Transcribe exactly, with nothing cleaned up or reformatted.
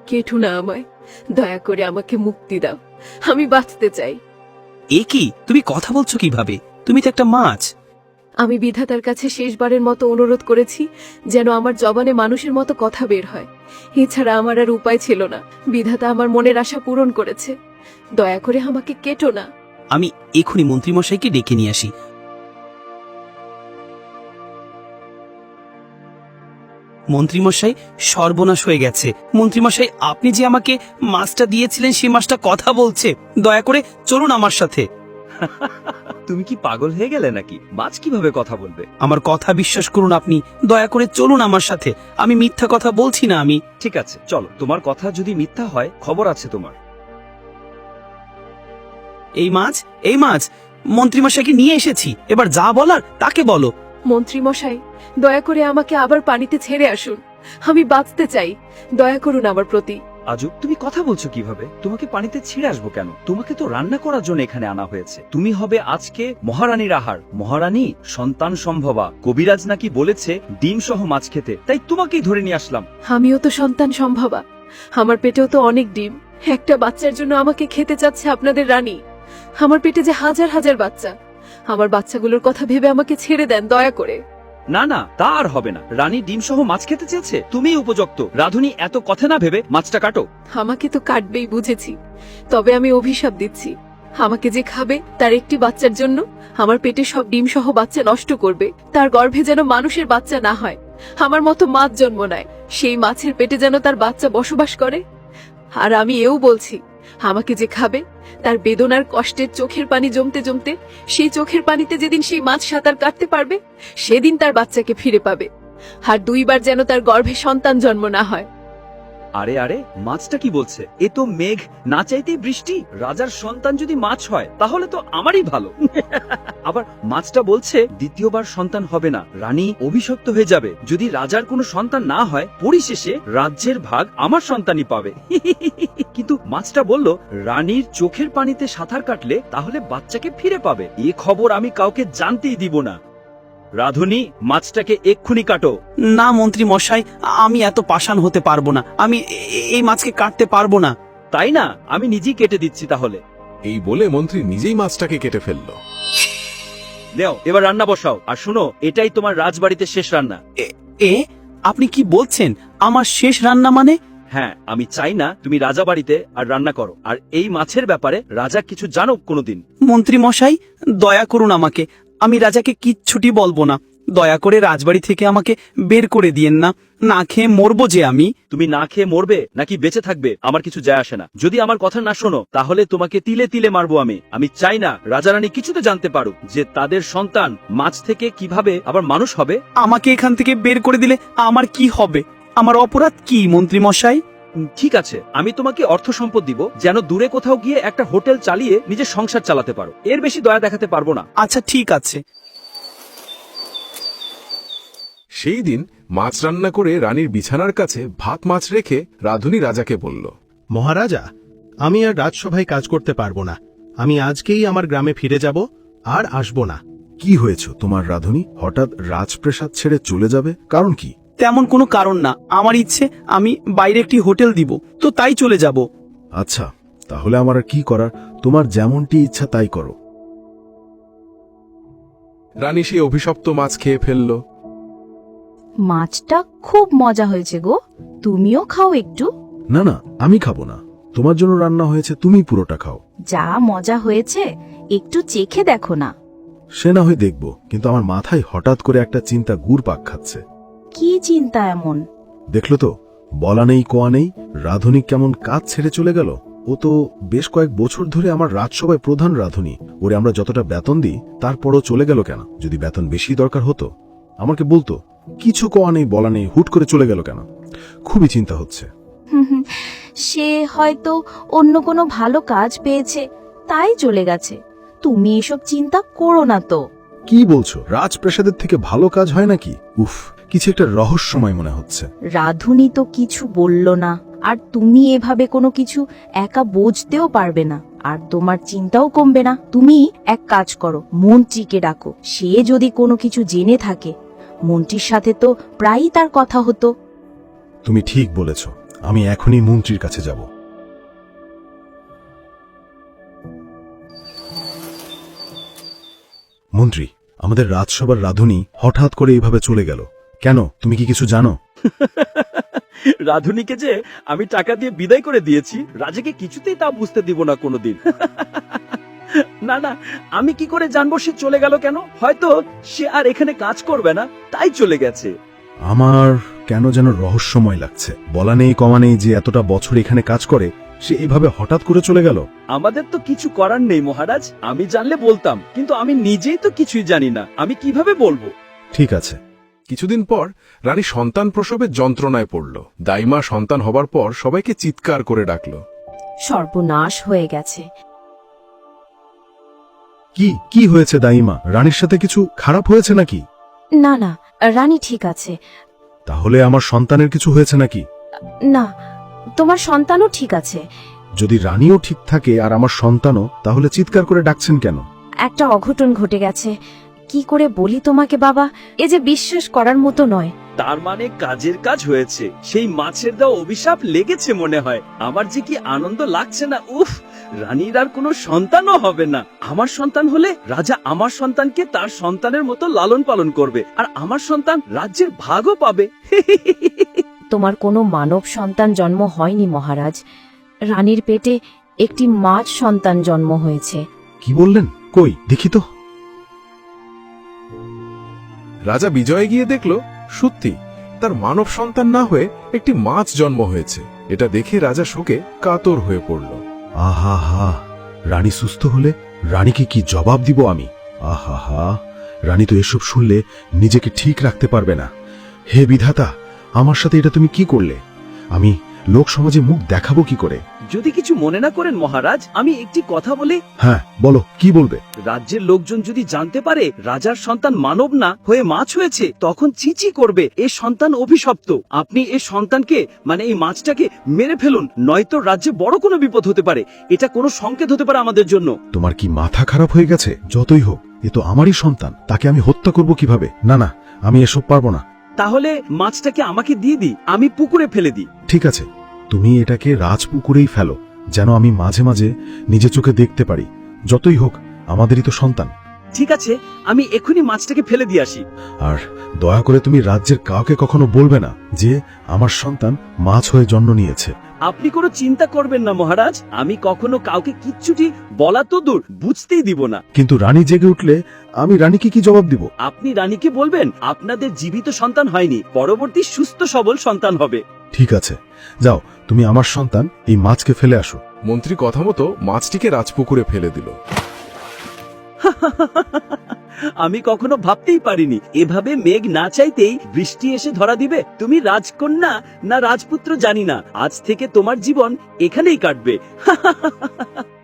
কেটো না আমায়, দয়া করে আমাকে মুক্তি দাও, আমি বাঁচতে চাই। এ কি, তুমি কথা বলছো কিভাবে? তুমি তো একটা মাছ। আমি বিধাতার কাছে শেষবারের মতো অনুরোধ করেছি যেন আমার জবানে মানুষের মতো কথা বের হয়, এছাড়া আমার আর উপায় ছিল না। বিধাতা আমার মনের আশা পূরণ করেছে, দয়া করে আমাকে কেটো না। আমি এখনই মন্ত্রীমশাইকে ডেকে নিয়ে আসি। মন্ত্রীমশাই, সর্বনাশ হয়ে গেছে। মন্ত্রীমশাই, আপনি যে আমাকে মাছটা দিয়েছিলেন সেই মাছটা কথা বলছে। দয়া করে চলুন আমার সাথে। তুমি কি পাগল হয়ে গেলে নাকি? মাছ কিভাবে কথা বলবে? আমার কথা বিশ্বাস করুন আপনি, দয়া করে চলুন আমার সাথে। আমি মিথ্যা কথা বলছি না। আমি ঠিক আছে, চলো। তোমার কথা যদি মিথ্যা হয়, খবর আছে তোমার। এই মাছ, এই মাছ মন্ত্রীমশাইকে নিয়ে এসেছি। এবার যা বলার তাকে বলো। মন্ত্রী মশাই, দয়া করে আমাকে আবার পানিতে ছেড়ে আসুন, আমি বাঁচতে চাই, দয়া করুন আমার প্রতি। আজব, তুমি কথা বলছো কিভাবে? তোমাকে পানিতে ছিঁড়ে আসবো কেন? তোমাকে তো রান্না করার জন্য এখানে আনা হয়েছে। তুমি হবে আজকে মহারানীর আহার। মহারানী সন্তান সম্ভবা, কবিরাজ নাকি বলেছে ডিম সহ মাছ খেতে, তাই তোমাকেই ধরে নিয়ে আসলাম। আমিও তো সন্তান সম্ভবা, আমার পেটেও তো অনেক ডিম। একটা বাচ্চার জন্য আমাকে খেতে চাচ্ছে আপনাদের রানী। আমার পেটে যে হাজার হাজার বাচ্চা, আমার বাচ্চাগুলোর কথা ভেবে আমাকে ছেড়ে দেন দয়া করে। না না, তা আর হবে না। রানী ডিম সহ মাছ খেতে চেয়েছে, তুমিই উপযুক্ত। রাধুনী, এত কথা না ভেবে মাছটা কাটো। আমাকে তো কাটবেই বুঝেছি, তবে আমি অভিশাপ দিচ্ছি, আমাকে যে খাবে তার একটি বাচ্চার জন্য আমার পেটে সব ডিম সহ বাচ্চা নষ্ট করবে। তার গর্ভে যেন মানুষের বাচ্চা না হয়, আমার মতো মাছ জন্ম নেয়, সেই মাছের পেটে যেন তার বাচ্চা বসবাস করে। আর আমি এও বলছি, আমাকে যে খাবে তার বেদনার কষ্টের চোখের পানি জমতে জমতে সেই চোখের পানিতে যেদিন সেই মাছ সাঁতার কাটতে পারবে, সেদিন তার বাচ্চাকে ফিরে পাবে। আর দুইবার যেন তার গর্ভে সন্তান জন্ম না হয়। আরে আরে, মাছটা কি বলছে? এ তো মেঘ না চাইতেই বৃষ্টি। রাজার সন্তান যদি মাছ হয় তাহলে তো আমারই ভালো। আবার মাছটা বলছে দ্বিতীয়বার সন্তান হবে না, রানী অভিশপ্ত হয়ে যাবে। যদি রাজার কোনো সন্তান না হয়, পরিশেষে রাজ্যের ভাগ আমার সন্তানই পাবে। কিন্তু মাছটা বলল রানীর চোখের পানিতে সাঁতার কাটলে তাহলে বাচ্চাকে ফিরে পাবে। এ খবর আমি কাউকে জানতেই দিব না। রাধুনী, মাছটাকে এক্ষুনি কাটো। না মন্ত্রী মশাই, আমি এত পাষাণ হতে পারবো না। আমি এ- এই মাছকে কাটতে পারবো না। তাই না? আমি নিজেই কেটে দিচ্ছি তাহলে। এই বলে মন্ত্রী নিজেই মাছটাকে কেটে ফেলল। দেও, এবার রান্না বসাও। আর শুনো, এটাই তোমার রাজবাড়িতে শেষ রান্না। এ- এ আপনি কি বলছেন? আমার শেষ রান্না মানে? হ্যাঁ, আমি চাই না তুমি রাজাবাড়িতে আর রান্না করো। আর এই মাছের ব্যাপারে রাজা কিছু জানুক কোনোদিন। মন্ত্রী মশাই, দয়া করুন আমাকে। আমি রাজাকে কিচ্ছুটি বলবো না। দয়া করে রাজবাড়ি থেকে আমাকে বের করে দিয়েন না, না খেয়ে মরবো যে আমি। তুমি না খেয়ে মরবে নাকি বেঁচে থাকবে আমার কিছু যায় আসে না। যদি আমার কথা না শোনো তাহলে তোমাকে তিলে তিলে মারবো আমি। আমি চাই না রাজারানী কিছুতে জানতে পারুক যে তাদের সন্তান মাছ থেকে কিভাবে আবার মানুষ হবে। আমাকে এখান থেকে বের করে দিলে আমার কি হবে? আমার অপরাধ কি মন্ত্রী মশাই? উম, ঠিক আছে, আমি তোমাকে অর্থ সম্পদ দিব যেন দূরে কোথাও গিয়ে একটা হোটেল চালিয়ে নিজের সংসার চালাতে পারো। এর বেশি দয়া দেখাতে পারবো না। আচ্ছা ঠিক আছে। সেই দিন মাছ রান্না করে রানীর বিছানার কাছে ভাত মাছ রেখে রাধুনী রাজাকে বলল, মহারাজা, আমি আর রাজসভায় কাজ করতে পারবো না। আমি আজকেই আমার গ্রামে ফিরে যাব, আর আসব না। কি হয়েছে তোমার রাধুনী? হঠাৎ রাজপ্রাসাদ ছেড়ে চলে যাবে, কারণ কি? তেমন কোনো কারণ না, আমার ইচ্ছে আমি বাইরে একটি হোটেল দিব, তো তাই চলে যাব। আচ্ছা, তাহলে আমার আর কি করার? তোমার যেমনটি ইচ্ছা তাই করো। রানী সেই অভিশপ্ত মাছ খেয়ে ফেলল। মাছটা খুব মজা হয়েছে গো, তুমিও খাও একটু। না না, আমি খাবো না, তোমার জন্য রান্না হয়েছে, তুমি পুরোটা খাও। যা মজা হয়েছে একটু চেখে দেখো না। সে না হয় দেখবো, কিন্তু আমার মাথায় হঠাৎ করে একটা চিন্তা ঘুর পাক খাচ্ছে। কি চিন্তা এমন? দেখলো তো, বলা নেই কোয়া নেই, রাধুনী কেমন কাজ ছেড়ে চলে গেল। ও তো বেশ কয়েক বছর ধরে আমার রাজসভায় প্রধান রাধুনী। ওরে আমরা যতটা বেতন দিই তারপরও চলে গেল কেন? যদি বেতন বেশি দরকার হতো আমাকে বলতো। কিছু কোয়া নেই বলা নেই, হুট করে চলে গেল কেন? খুবই চিন্তা হচ্ছে। সে হয়তো অন্য কোনো ভালো কাজ পেয়েছে, তাই চলে গেছে। তুমি এসব চিন্তা করো না তো। কি বলছো? রাজপ্রাসাদের থেকে ভালো কাজ হয় নাকি? উফ, কিছু একটা রহস্যময় মনে হচ্ছে। রাধুনী তো কিছু বলল না, আর তুমি এভাবে কোনো কিছু একা বুঝতেও পারবে না, আর তোমার চিন্তাও কমবে না। তুমি এক কাজ করো, মন্ত্রীকে ডাকো। সে যদি কোনো কিছু জেনে থাকে, মন্ত্রীর সাথে তো প্রায়ই তার কথা হতো। তুমি ঠিক বলেছ, আমি এখনই মন্ত্রীর কাছে যাব। মন্ত্রী, আমাদের রাজসভার রাধুনী হঠাৎ করে এইভাবে চলে গেল কেন? তুমি কি কিছু জানো? রাধুনীকে যে আমি টাকা দিয়ে বিদায় করে দিয়েছি, রাজাকে কিছুতেই তা বুঝতে দিব না কোনোদিন। না না, আমি কি করে জানবো সে চলে গেল কেন? হয়তো সে আর এখানে কাজ করবে না, তাই চলে গেছে। আমার কেন যেন রহস্যময় লাগছে। বলা নেই কমা নেই যে এতটা বছর এখানে কাজ করে সে এইভাবে হঠাৎ করে চলে গেল। আমাদের তো কিছু করার নেই মহারাজ, আমি জানলে বলতাম, কিন্তু আমি নিজেই তো কিছুই জানি না, আমি কিভাবে বলবো? ঠিক আছে। কিছুদিন পর রানী সন্তান প্রসবের যন্ত্রণায় পড়ল। দাইমা সন্তান হবার পর সবাইকে চিৎকার করে ডাকল। সর্বনাশ হয়ে গেছে। কি কি হয়েছে দাইমা? রানীর সাথে কিছু খারাপ হয়েছে নাকি? না না, রানী ঠিক আছে। তাহলে আমার সন্তানের কিছু হয়েছে নাকি? না, তোমার সন্তানও ঠিক আছে। যদি রানীও ঠিক থাকে আর আমার সন্তানও, তাহলে চিৎকার করে ডাকছেন কেন? একটা অঘটন ঘটে গেছে। কি করে বলি তোমাকে বাবা, এ যে বিশ্বাস করার মতো নয়। তার মানে কাজের কাজ হয়েছে, সেই মাছের দেওয়া অভিশাপ লেগেছে মনে হয়। আমার যে কি আনন্দ লাগছে না! উফ, রানীর আর কোনো সন্তানও হবে না। আমার সন্তান হলে রাজা আমার সন্তানকে তার সন্তানের মতো লালন পালন করবে, আর আমার সন্তান রাজ্যের ভাগও পাবে। তোমার কোনো মানব সন্তান জন্ম হয়নি মহারাজ, রানীর পেটে একটি মাছ সন্তান জন্ম হয়েছে। কি বললেন? কই দেখি তো। রাজা বিজয়ে গিয়ে দেখল সত্যি তার মানব সন্তান না হয়ে একটি মাছ জন্ম হয়েছে। এটা দেখে রাজা শোকে কাতর হয়ে পড়ল। আহা হা, রানী সুস্থ হলে রানীকে কি জবাব দিব আমি? আহা হা, রানী তো এসব শুনলে নিজেকে ঠিক রাখতে পারবে না। হে বিধাতা, আমার সাথে এটা তুমি কি করলে? আমি লোক সমাজে মুখ দেখাবো কি করে? যদি কিছু মনে না করেন মহারাজ, আমি একটি কথা বলি। হ্যাঁ বলো, কি বলবে? রাজ্যের লোকজন যদি জানতে পারে রাজার সন্তান মানব না হয়ে মাছ হয়েছে, তখন চিচি করবে এ সন্তান অভিশপ্ত। আপনি এই সন্তানকে মানে এই মাছটাকে মেরে ফেলুন, নয়তো রাজ্যে বড় কোনো বিপদ হতে পারে। এটা কোনো সংকেত হতে পারে আমাদের জন্য। তোমার কি মাথা খারাপ হয়ে গেছে? যতই হোক, এ তো আমারই সন্তান, তাকে আমি হত্যা করব কিভাবে? না না, আমি এসব পারবো না। তাহলে মাছটাকে আমাকে দিয়ে দিই, আমি পুকুরে ফেলে দিই। ঠিক আছে, তুমি এটাকে রাজপুকুরেই ফেলো, যেন আমি মাঝে মাঝে নিজে চোখে দেখতে পারি। যতই হোক আমাদেরই তো সন্তান। ঠিক আছে, আমি এখনই মাছটাকে ফেলে দিয়ে আসি। আর দয়া করে তুমি রাজ্যের কাউকে কখনো বলবে না যে আমার সন্তান মাছ হয়ে জন্ম নিয়েছে। আপনি কোনো চিন্তা করবেন না মহারাজ, আমি কখনো কাউকে কিচ্ছুটি বলা তো দূর, বুঝতেই দিব না। কিন্তু রানী জেগে উঠলে আমি রানীকে কি জবাব দিব? আপনি রানীকে বলবেন আপনাদের জীবিত সন্তান হয়নি, পরবর্তী সুস্থ সবল সন্তান হবে। ঠিক আছে, যাও, তুমি আমার সন্তান এই মাছকে ফেলে আসো। মন্ত্রী কথা মতো মাছটিকে রাজপুকুরে ফেলে দিল। আমি কখনো ভাবতেই পারিনি এভাবে মেঘ না চাইতেই বৃষ্টি এসে ধরা দিবে। তুমি রাজকন্যা না রাজপুত্র জানি না, আজ থেকে তোমার জীবন এখানেই কাটবে।